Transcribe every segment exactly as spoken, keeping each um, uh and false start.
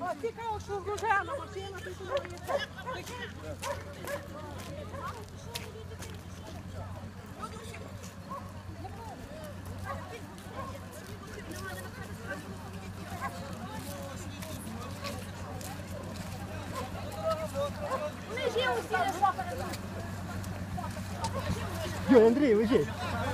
Цікаво, що врожена машина, ти сьогодні. Йо, Андрій, лежить.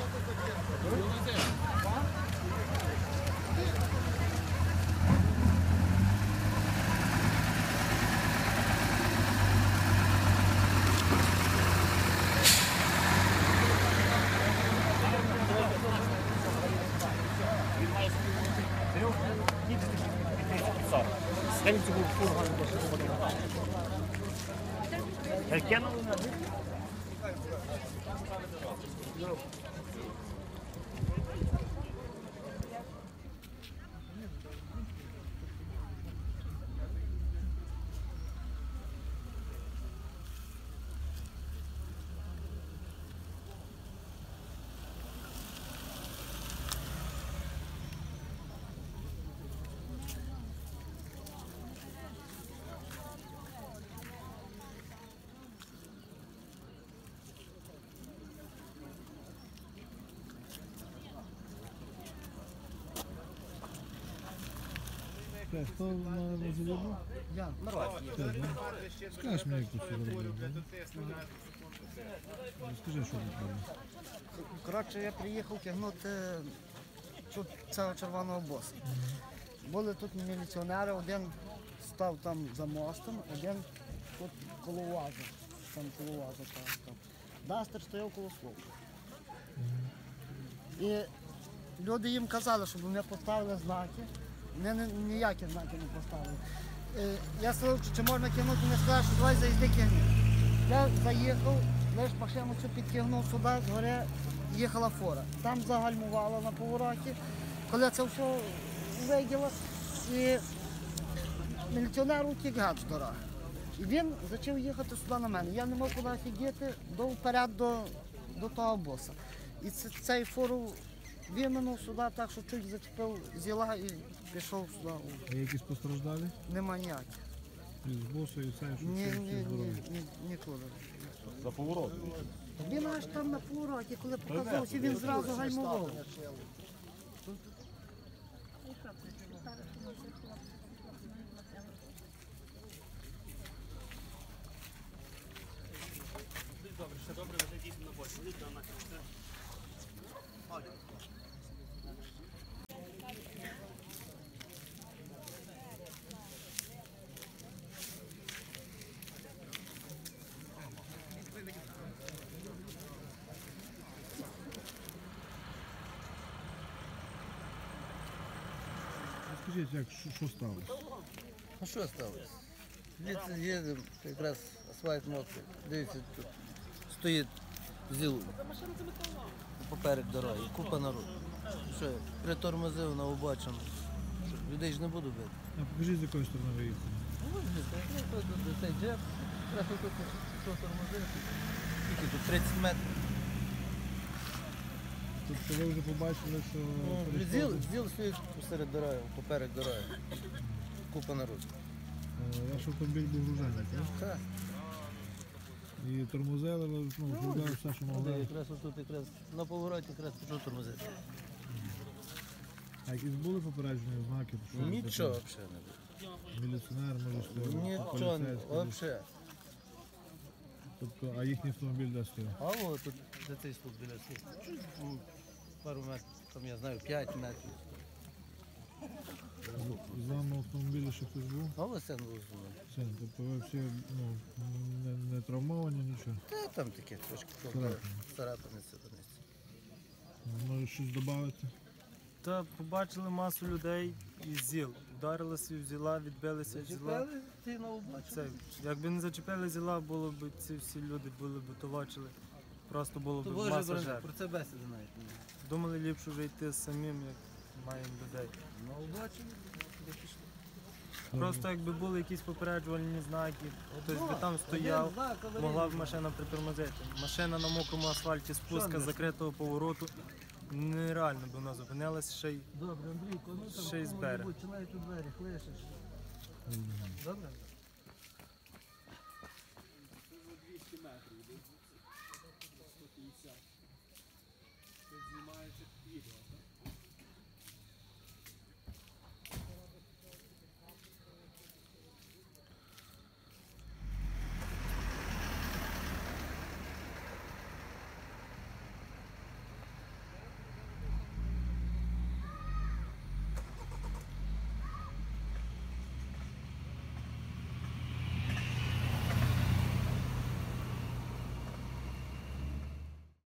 Хто на заводу? Я, Мирваць. Скажеш мені, як тут все зробили? Скажи, що робили. Коротше, я приїхав тягнути тут цього червоного боса. Були тут міліціонери, один став там за мостом, один тут коло вазу. Там коло вазу там. Дастер стояв коло слова. І люди їм казали, щоб вони поставили знаки. Вони ніякі знаки не поставили. Е, Я сказав, чи можна кинути, вони сказали, що давай заїзди кигни. Я заїхав, лише машину цю підтягнув сюди, згори їхала фора. Там загальмувала на повороті. Коли це все виділо, і міліціонер утік гад з дороги. І він почав їхати сюди на мене. Я не мав куди офігіти, до вперед до, до того боса. І це, цей фору виминув сюди так, що чуть зачепив зіла і пішов сюди. А якісь постраждалі? Нема ніяких. І з босу, і це, що Ні, всі ні, здорові? ні, ні, нікуди. За поворот. Він аж там на повороті, коли показався, він зразу гальмував. Добре, ще добре, ви дійсно на бочі. Літно на кінці. Скажіть, як, що, що сталося? Ну що сталося? Звідси їдемо, якраз асфальт мокрий. Дивіться, тут стоїть зіл поперек дороги, купа народу. Що, я притормозив на обочину. Що, людей ж не буду бити. А покажіть, з якої сторони ви їхали. Ну, ось тут цей джеп, якраз тут що тормозив. Скільки тут тридцять метрів. Тобто ви вже побачили, що... Ну, перешкоди? зіл, зіл стоїть посеред дороги, поперек дороги. Купа народу. Е, Ваш автомобіль був гружений, так? Так. І тормозили, ви, ну, грузили все, що Де могли. якраз отут якраз на повороті якраз пішов тормозити. А якісь були попереджені знаки? Що Нічого таке? взагалі не було. Міліціонер, може, стояв, Нічого не поліцейський. було, взагалі. Тобто, а їхній автомобіль де стояв? А от тут де цей ступ біля слів. Ну, пару метрів, там я знаю, п'ять метрів. З вами в автомобілі ще хтось був? А ось це був зі мною. Син, тобто ви всі ну, не, не травмовані, нічого? Та там таке трошки Царапини. царапини сидониці. Може щось додати? Та побачили масу людей із ЗІЛ. Вдарилися в зіла, відбилися від зіла. Зачепили, ти на обочину. Це, якби не зачепили зіла, було б ці всі люди були б толочили. Просто було б То Боже, маса про, жертв. про це бесіди навіть немає. Думали ліпше вже йти самим, як маємо людей. На обочину, де пішли. Просто якби були якісь попереджувальні знаки, хтось би там стояв, Один знак, аварійний могла б знак. машина притормозити. Машина на мокрому асфальті, спуска не? з закритого повороту. Нереально би вона зупинилась ще й. Добре, Андрійко, ну там Ще й з берега. чи навіть у двері лишиш. Добре?